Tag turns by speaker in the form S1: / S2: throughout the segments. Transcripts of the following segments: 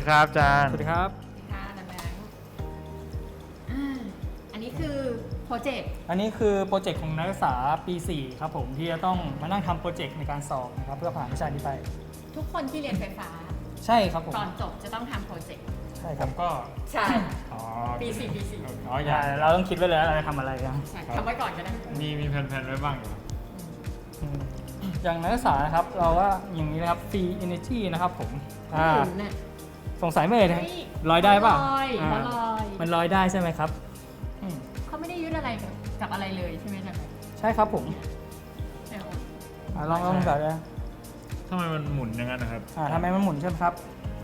S1: ครับอาจารย์
S2: สวัสดีครับ
S3: ค่ะนันแบงค์อันนี้คือโปรเจกต์
S2: อันนี้คือโปรเจกต์ของนักศึกษาปี 4 ครับผมที่จะต้องมานั่งทำโปรเจกต์ในการสอบนะครับเพื่อผ่านวิชานี้ไป
S3: ทุกคนที่เรียนไฟฟ้า
S2: ใช่ครับผม
S3: ก่อนจบจะต้องทำโปรเจกต์
S2: ใช่
S1: ผ
S2: ครับ
S1: มก็
S3: ใช่
S1: อ๋อ
S3: ปีสี่ปีสี่
S1: อ๋ออย่า
S2: เราต้องคิดไว้เลยว่าเราจะทำอะไรกัน
S3: ใช่ทำไว้ก่อนก็ได้
S1: มีแผนๆไว้บ้างอยู่ครับ
S2: อย่างนักศึกษานะครับเราว่าอย่างนี้นะครับ free energy นะครับผม
S3: หมุนน่ะ
S2: สงสัยไหมเอ่ย
S3: เฮ้ย
S2: ลอยได้เปล่า
S3: ลอย
S2: อ่า
S3: เขาลอย
S2: มันลอยได้ใช่ไหมครับอืม
S3: เขาไม่ได้ยึดอะไรกับอะไรเลยใช่ไหมนันแบงค์
S2: ใช่ครับผม
S3: เดี๋ยว
S2: ลองแบบนะ
S1: ทำไมมันหมุนอย่างนั้นนะครับ
S2: ทำไมมันหมุนใช่ไหมครับ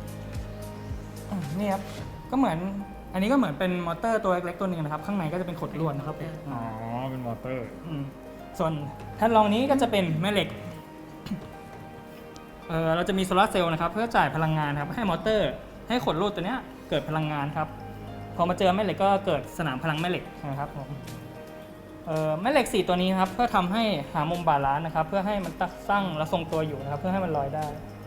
S2: นี่ครับก็เหมือนอันนี้ก็เหมือนเป็นมอเตอร์ตัวเล็กๆตัวหนึงนะครับข้างในก็จะเป็นขดลวดนะครับผม
S1: อ๋อ เป็นมอเตอร์
S2: ส่วนแท่นรองนี้ก็จะเป็นแม่เหล็ก เราจะมีโซลาร์เซลล์นะครับเพื่อจ่ายพลังงานครับให้มอเตอร์ให้ขดลวดตัวเนี้ยเกิดพลังงานครับพอมาเจอแม่เหล็กก็เกิดสนามพลังแม่เหล็กนะครับผมแม่เหล็ก4ตัวนี้ครับเพื่อทำให้หามุมบาลานซ์นะครับเพื่อให้มันตั้งและทรงตัวอยู่นะครับเพื่อให้มันลอยได้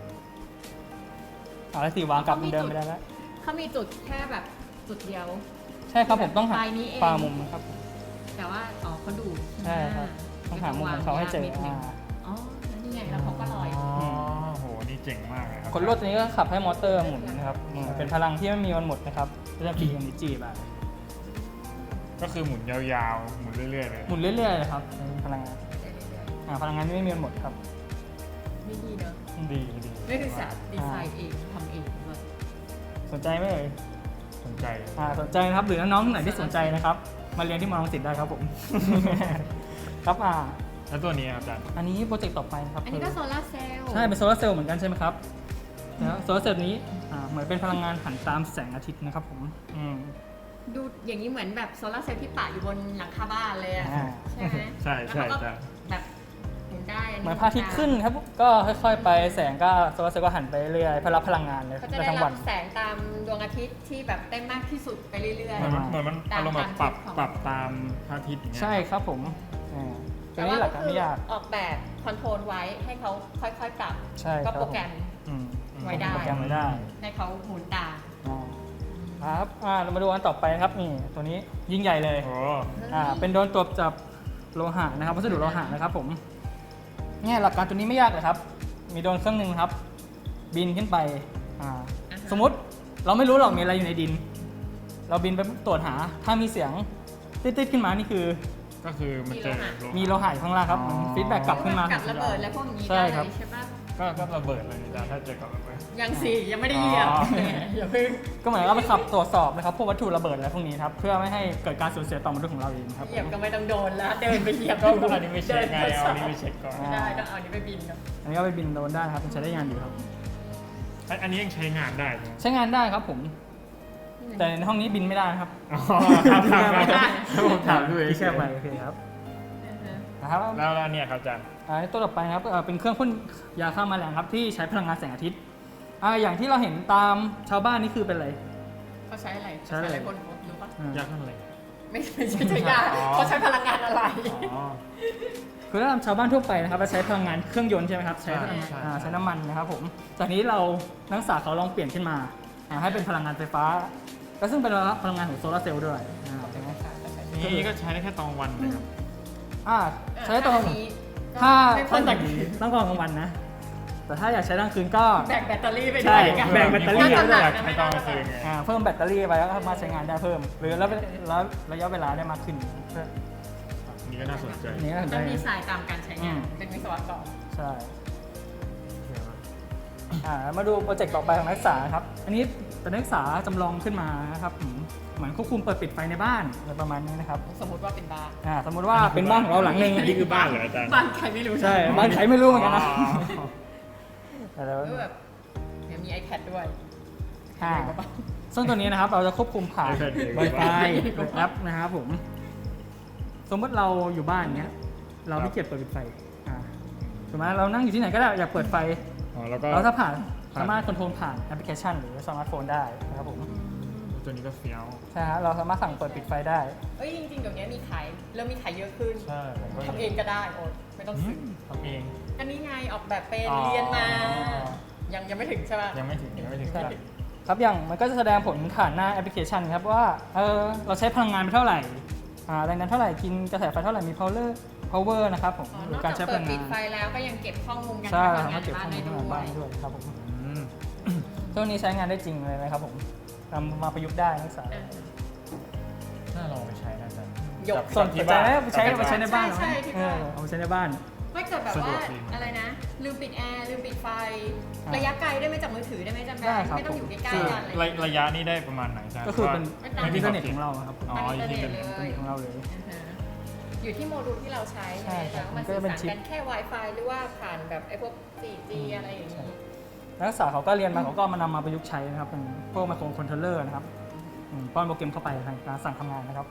S2: แล้วสีวางกลับเหมือนเดิมไม่ได้แล้ว
S3: เขามีจุดแค่แบบจุดเดียว
S2: ใช่ครับผมต้องหา
S3: ปลายนี้เอง
S2: ปลามุมนะครับ
S3: แต่ว่าเขาดูด
S2: ใช่ครับต้องหามุมของเขาให้เจอ
S3: อ๋อแล้วนี่ไงแล้วเขาก็ลอย
S1: อ๋อ โห นี่เจ๋งมากเลยครับ
S2: ขดลวดตัวนี้ก็ขับให้มอเตอร์หมุนนะครับเป็นพลังที่ไม่มีวันหมดนะครับก็จะปีเอเนจีไป
S1: ก็คือหมุนยาวๆ หมุนเรื่อยๆเลย
S2: หมุนเรื่อยๆเลยครับเป็นพลังงานพลังงานที่ไม่มีวันหมดครับ
S3: ไม่ดีเนอะ
S1: ดี
S3: ไม่ศึกษาดีไซน์เองทำเองเลย
S2: สนใจไหมเอ่ย
S1: สนใจ
S2: สนใจนะครับหรือน้องๆไหนที่สนใจนะครับมาเรียนที่มอลังสิตได้ครับผม ครับ
S1: แล้วตัวนี้ครับอาจารย์
S2: อันนี้โปรเจกต์ต่อไปนะครับ
S3: อันนี้ก็โซลาร์เซลล์
S2: ใช่เป็นโซลาร์เซลล์เหมือนกันใช่ไหมครับแล้วโซลาร์เซลล์นี้เหมือนเป็นพลังงานหันตามแสงอาทิตย์นะครับผม
S3: ดูอย่างนี้เหมือนแบบโซลาร์เซลล์ที่ปะอยู่บนหลังคาบ้านเลยอะ
S2: อ่า
S3: ใช่ไหม
S1: ใช่
S3: แล้วเขาก็แบบหมุนได้
S2: เหมือนพระอาทิตย์ขึ้นครับก็ค่อยๆไปแสงก็โซลาร์เซลล์ก็หันไปเรื่อยๆเพื่อรับพลังงานเลย
S3: เขาจะได้
S2: ทั้ง
S3: รั
S2: วั
S3: บ
S2: น
S3: แสงตามดวงอาทิตย์ที่แบบได้มากที่สุดไปเรื่อย
S1: เหมือนมันอารมณ์แบบปรับตามพระอาทิตย์อย่างเงี้ย
S2: ใช่ครับผม
S3: ๆ
S2: ตัวนี้หลักการไม่ยาก
S3: ออกแบบคอนโทรลไว้ให้เขาค่อยๆปรับ
S2: ใช่ค
S3: ก็
S2: รับ
S3: โปรแกรม ไว้ได้
S2: โปรแกรมไว้ได้
S3: ให้เขาหมุนตาม
S2: ครับเรามาดูอันต่อไปนะครับนี่ตัวนี้ยิ่งใหญ่เลย
S1: โอ้
S2: เป็นโดรนตรวจจับโลหะนะครับวัสดุโลหะนะครับผมเนี่ยหลักการตัวนี้ไม่ยากเลยครับมีโดรนเครื่องหนึ่งครับ บินขึ้นไปสมมุติเราไม่รู้หรอกมีอะไรอยู่ในดิน เราบินไปตรวจหาถ้ามีเสียงติดๆขึ้นมานี่คือ
S1: ก็คือมันเจอ
S2: มีโลหะอยู่ข้างล่างครับฟีดแบ็กกลับขึ้นมา
S3: กับระเบิดและพวกนี้
S2: ใช่
S3: ได้
S2: ค
S3: เล
S2: รับ
S3: ยใช่ปะ
S1: ก็ระเบิดเลยอาจารย์ถ้าเจอกับระเบิด
S3: ยังสิยังไม่ได้เหยียบ
S1: อ๋อ
S3: อย่าเพิ่ง
S2: ก็เหมือนเราไปขับตรวจสอบนะครับพวกวัตถุระเบิดอะไรพวกนี้ครับเพื่อไม่ให้เกิดการสูญเสียต่อมนุษย์ของเราเองครับ
S3: เหยียบก็ไม่ต้องโดนแล้วเดินไปเหยียบ
S1: ก็อันนี้ไม่เช็คไงเอาอันนี้ไม่เช็คก่อน
S3: ไม่ได้ต้องเอาอันนี้ไปบินก่อน
S2: อันนี้ก็ไปบินโดรนได้ครับมันใช้ได้งานอยู่ครับ
S1: อันนี้ยังใช้งานได้ใช่ไหม
S2: ใช้งานได้ครับผม แต่ในห้องนี้บินไม่ได้นะครับ
S1: อ๋อครับผมถามด้วย
S2: ที่แค่ไปโอเคครับนะครับ
S1: แล้วเนี่ยครับอาจารย์
S2: ตัวต่อไปครับเป็นเครื่องพ่นยาฆ่าแมลงครับที่ใช้พลังงานแสงอาทิตย์อย่างที่เราเห็นตามชาวบ้านนี่คือเป็นอะไร
S3: เขาใช้อะไร
S2: ใช้อะไร
S3: บนรถรู้ปะ
S1: ยากเท่าไหร่
S3: ไม่ใช่ยาเขาใช้พลังงานอะไร
S1: อ๋อ
S2: คือถ้าตามชาวบ้านทั่วไปนะครับเราใช้พลังงานเครื่องยนต์ใช่ไหมครับใช้
S1: ใช่
S2: ใช้น้ำมันนะครับผมจากนี้เรานักศึกษาเขาลองเปลี่ยนขึ้นมาให้เป็นพลังงานไฟฟ้าก็ซึ่งเป็นพลังงานของโซลาร์เซลล์ด้วยใช่ไหม
S1: นี่ก็ใช้ได้แค่ตอนวันเลยครับ
S2: ใช้ตอน
S3: นี้
S2: ถ้า
S3: ไม่พ่น
S2: ต้องกลางวันนะ แต่ถ้าอยากใช้กลางคืนก็
S3: แบกแบตเตอรี่ไป
S2: ใช่
S3: ด้วยกัน
S2: แบ่งแบตเตอรี่
S3: ถ้า
S2: ด้วย
S3: หนั
S1: อยากใช้ตอนกลางคืนไง
S2: เพิ่มแบตเตอรี่ไปแล้วก็สามารถใช้งานได้เพิ่ม หรือแล้วระยะเวลาได้มากขึ้น
S1: นี่ก็น่าสนใจ
S2: นี่ก็
S3: ต้
S2: ได้
S3: องดีไซน์ตามการใช้งานเป็นวิศวกร
S2: ใช่มาดูโปรเจกต์ต่อไปของนักศึกษาครับ อันนี้เป็นนักศึกษาจำลองขึ้นมานะครับเหมือนควบคุมเปิดปิดไฟในบ้านอะไรประมาณนี้นะครับ
S3: สมมติว่าเป็นบ้าน
S2: สมมติว่าเป็นบ้านของเราหลังหนึ่ง
S1: อันนี้คือบ้านเหรออาจารย์
S3: บ้านใครไม่รู้
S2: ใช่บ้านใครไม่รู้เหมือนกันนะ
S3: ก็แบบเดี๋ยวมี iPad ด้วย
S2: ซึ่งตัวนี้นะครับเราจะควบคุมผ่าน
S1: iPad เอง
S2: Wi-Fi หรือแอปนะครับผม สมมติเราอยู่บ้านเนี้ย เราไม่เกียจเปิดปิดไฟถูกไหมเรานั่งอยู่ที่ไหนก็ได้อยากเปิดไฟ
S1: แล้วก็
S2: เราถ้าสามารถคอนโทรลผ่านแอปพลิเคชันหรือสมาร์ทโฟนได้นะครับผม
S1: ตัวนี้ก็เฟี้ยว
S2: ใช่ฮะเราสามารถสั่งเปิดปิดไฟได้
S3: เอ้ยจริงๆเดี๋ยวนี้มีขายเริ่มมีขายเยอะขึ้น
S1: ใช่ผมก็
S3: ทำเองก็ได้โอ๊ยไม่ต้องซื้อ
S1: ทำเอง
S3: อันนี้ไงออกแบบเป็น
S1: อ๋อ
S3: เรียนมา ยังไม่ถึงใช่ป่ะ
S1: ยังไม่ถึง
S2: ใช่ครับอย่างมันก็จะแสดงผลผ่านหน้าแอปพลิเคชันครับว่าเราใช้พลังงานไปเท่าไหร่แรงดันเท่าไหร่กินกระแสไฟเท่าไหร่มี power นะครับผม
S3: อ๋อ
S2: ห
S3: น
S2: รือ
S3: อก
S2: การ
S3: จา
S2: ใช้
S3: ก
S2: พ
S3: เปิ
S2: ลั
S3: ด
S2: ง
S3: ปิ
S2: งา
S3: ด
S2: น
S3: ไฟแล้วก็ยังเก็บข้อมูลการ
S2: ใช่
S3: ใช้พลัง
S2: เขา
S3: งาน
S2: เก็บ
S3: บ้า
S2: ข้อน มูล
S3: ได้
S2: พลังงานบ้าน
S3: ด้
S2: ด้
S3: ว
S2: วย ยครับผม
S1: อืม
S2: ตัวนี้ใช้งานได้จริงเลยนะครับผมนำมาประยุกต์ได้นักศึกษา
S3: อ่า
S1: น่าลองไปใช้นะอาจารย์
S3: ยก
S2: ส่วนปัจจัยนะใช้ไปใช้ในบ้าน
S3: ใช่ที่บ้าน
S2: เอาไปใช้ในบ้าน
S3: ไม่เกิดแบบ
S1: สะดว
S3: ว่าก
S1: ดี
S3: อะไรนะ ลืมปิดแอร์ลืมปิดไฟ
S2: อ่า
S3: ระยะไกลได้ไหมจากมือถือได้ไหมจันแบ
S2: ได้
S3: ง
S2: ครับ
S3: ไม่ต้องอยู่ใกล้
S1: คือ
S3: ๆกันอะไรอย่าง
S1: ระ
S3: เงี้ย
S1: ระยะนี้ได้ประมาณไหนอาจารย์
S2: ก็คือเป็น
S3: ไม่มี
S2: อินเทอร์เน็ต
S1: ขบ
S2: ของเราครับผม
S1: อ๋อ
S3: อินเทอร์เน็ต
S1: อินเทอร์เน็ต
S3: เลย
S2: ของเราเลย
S3: อ่าฮะอยู่ที่โมดูลที่เราใช้
S2: ใช่ครับ
S3: แล้วมัน
S2: มันก็
S3: สื่อ
S2: จะเป็น
S3: สาร
S2: ชิป
S3: กันแค่ Wi-Fi หรือว่าผ่านแบบไอ้พวก 4G อะไรอย่างนี้
S2: นักศึกษาเขาก็เรียนมาเขาก็มานำมาประยุกต์ใช้นะครับเป็นพวกไมโครคอนโทรลเลอร์นะครับป้อนโปรแกรมเข้าไปทางการสั่งทำงานนะครับ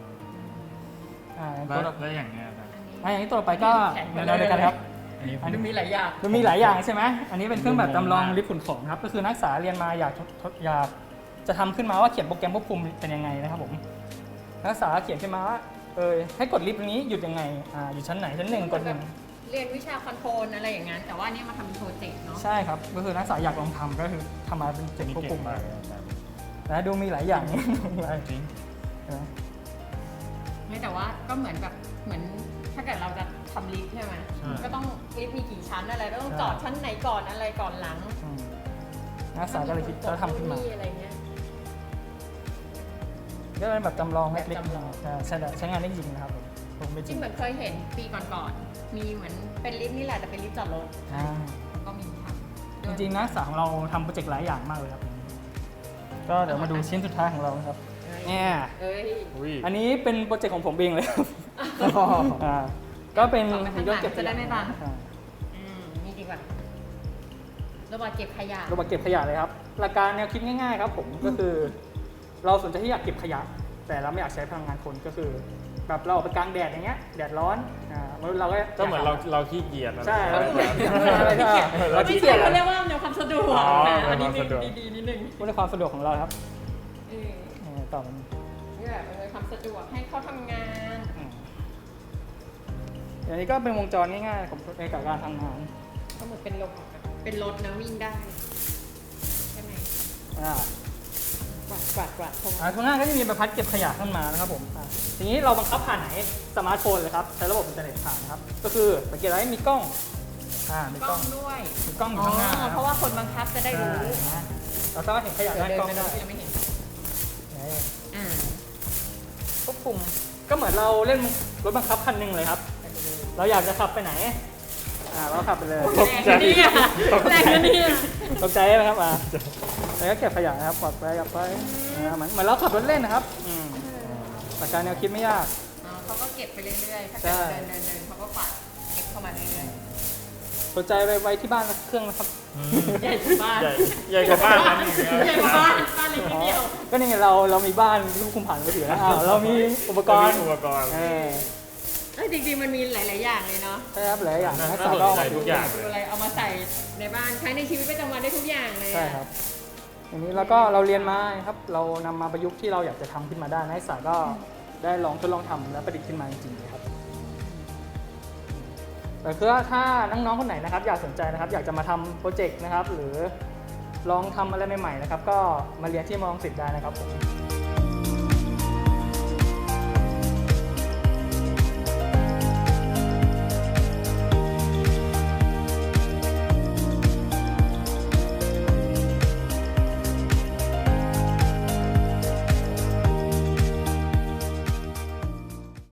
S2: อย่าง
S1: แล้
S2: ตัว
S1: วแล้วอย่างเนี้ยอาจารย์
S2: อย่างนี้ตัวต่อไปก็แนวเดียวกันครับ
S1: อันนี้ผม
S3: มันมีหลายอย่าง
S2: มันมีหลายอย่างใช่ไหมอันนี้เป็นเครื่องแบบจำลองลิฟต์ขนของครับก็คือนักศึกษาเรียนมาอยากจะทำขึ้นมาว่าเขียนโปรแกรมควบคุมเป็นยังไงนะครับผมนักศึกษาเขียนขึ้นมาว่าให้กดลิฟต์นี้หยุดยังไงอยู่ชั้นไหนชั้นหนึ่งกดหนึ่ง
S3: เรียนวิชาคอนโทรลอะไรอย่างนั้นแต่ว่านี่มาทำเป็นโปรเจกต์เนาะ
S2: ใช่ครับก็คือนักศึกษาอยากลองทำก็คือทำมาเป็น
S1: อั
S2: เจ๋
S1: น
S2: ง
S1: นี้
S2: ควบ
S1: เก่
S2: คุ
S1: ง
S2: ม
S1: มากเลยอาจารย์
S2: นะดูมีหลายอย่าง
S1: จริง
S2: ใช่ไหม
S3: ไม่แต่ว่าก็เหมือนแบบเหมือนถ้าเกิดเราจะทำลิฟต์ใช่ไหมก็ต้องลิฟต์มีกี่ชั้นอะไรแล้วต้องจอดชั้นไหนก่อนอะไรก่อนหลัง
S2: นักศึกษาก็เลยคิดแล้วทำขึ้นมา
S3: อะไรเงี้ย
S2: ก็เป็นแบบจำลองเล็ก
S3: แบบจำลอง
S2: ๆใช้งานได้จริงนะครับผมไม่จ
S3: จ
S2: ริ
S3: ริ
S2: ง
S3: งเหมือนเคยเห็นปีก่อนๆมีเหมือนเป็นลิฟต์นี่แหละแต่เป็นลิฟต์จอดรถก็มีทำ
S2: จริงๆนักศึกษาของเราทำโปรเจกต์หลายอย่างมากเลยครับก็เดี๋ยวมาดูชิ้นสุดท้ายของเรานะครับเนี่ย
S3: เอ้ย
S1: อุ้ย
S2: อันนี้เป็นโปรเจกต์ของผมเองเลยครับก็เป็น
S3: ต่อไปข้างหลังจะได้ไม่บัง
S2: อ่า
S3: นี่ดีกว่าโรบอทเก็บขยะ
S2: โรบอทเก็บขยะเลยครับหลักการแนวคิดง่ายๆครับผมก็คือ เราสนใจที่อยากเก็บขยะ แต่เราไม่อยากใช้พลังงานคนก็คือแบบเราออกไปกลางแดดอย่างเงี้ยแดดร้อนเราก็
S1: ก็เหมือนเราขี้เกียจแล้ว
S2: ใช่
S1: เรา
S2: เราขี้เกียจ
S3: เขาเรียกว่าแนวความสะดวก
S1: อ๋อ
S3: นะอัน
S1: แน
S3: นี้
S1: วความสะดวก
S3: ดีๆนิดนึง
S2: พูดในความสะดวกของเราครับ
S3: เออ
S2: ต่อมัน
S3: นี่แบบเป็นความสะดวกให้เขาทำงาน
S2: อย่างนี้ก็เป็นวงจรง่ายๆของในการทำงาน
S3: เขาเหมือนเป็นรถนะวิ่งได้ใช่ไหม
S2: อ่าก
S3: วาดตรง
S2: ข้างหน้าก็จะมีใบพัดเก็บขยะขึ้นมานะครับผมทีนี้เราบังคับผ่านไหนสมาร์ทโฟนเลยครับใช้ระบบอินเทอร์เน็ตผ่านนะครับก็คือสังเกตไว้มีกล้องมี
S3: ก
S2: ก
S3: ล้
S2: ล้
S3: อ
S2: อง ง
S3: ด้วย
S2: มีกล้องอยู่ข้างหน้า
S3: เพราะว่าคนบังคับจะได้รู้
S2: ใช่เราสามารถเห็นขยะด้านกล้องได้
S3: ยังไม่เห็น
S2: นี่
S3: อ่า
S2: ควบคุมก็เหมือนเราเล่นรถบังคับคันหนึ่งเลยครับ เราอยากจะขับไปไหนเราขับไปเลย
S3: แรงนะเนี่ยแรงนะเนี่ย
S2: ตกใจไหมครับแล้วก็เก็บขยะนะครับปลอดภัยกลับไปเหมือนเราขับรถเล่นนะครับหลักการแนวคิดไม่ยาก
S3: เขาก็เก็บไปเรื่อยๆถ้า
S2: ใช่
S3: เกิดเดินเขาก็กวาดเก็บเข้ามาเรื่อย
S2: สนใจไปไว้ที่บ้านสักเครื่องนะครับ
S3: ๆใหญ่กว่าบ้าน
S1: ใหญ่กว่าบ้านนั้นอีก
S3: ใหญ่กว่าบ้านบ้านเล็กนิดเดียว
S2: ก็นี่ไงเรามีบ้านที่ควบคุมผ่านมือถือแล้วเรามีอุปกรณ์
S1: อุปกรณ์
S3: จริงๆมันมีหลายๆอย่างเลยเนาะ
S2: ใช่ครับหลายอย่างนักศึก
S1: น่า
S2: ษา
S1: สน
S2: ก็
S1: ใจทุกอย่าง
S3: ดูอะไรเอามาใส่ในบ้านใช้ในชีวิตประจำวันได้ทุกอย่างเลย
S2: ใช่ครับอย่างนี้แล้วก็เราเรียนมาครับเรานำมาประยุกต์ที่เราอยากจะทำขึ้นมาได้นักศึกษาก็ได้ลองทดลองทำและประดิษฐ์ขึ้นมาจริงๆเลยครับแต่คือถ้าน้องๆคนไหนนะครับอยากสนใจนะครับอยากจะมาทำโปรเจกต์นะครับหรือลองทำอะไรใหม่ๆนะครับก็มาเรียนที่มอลังสิตได้นะครับผม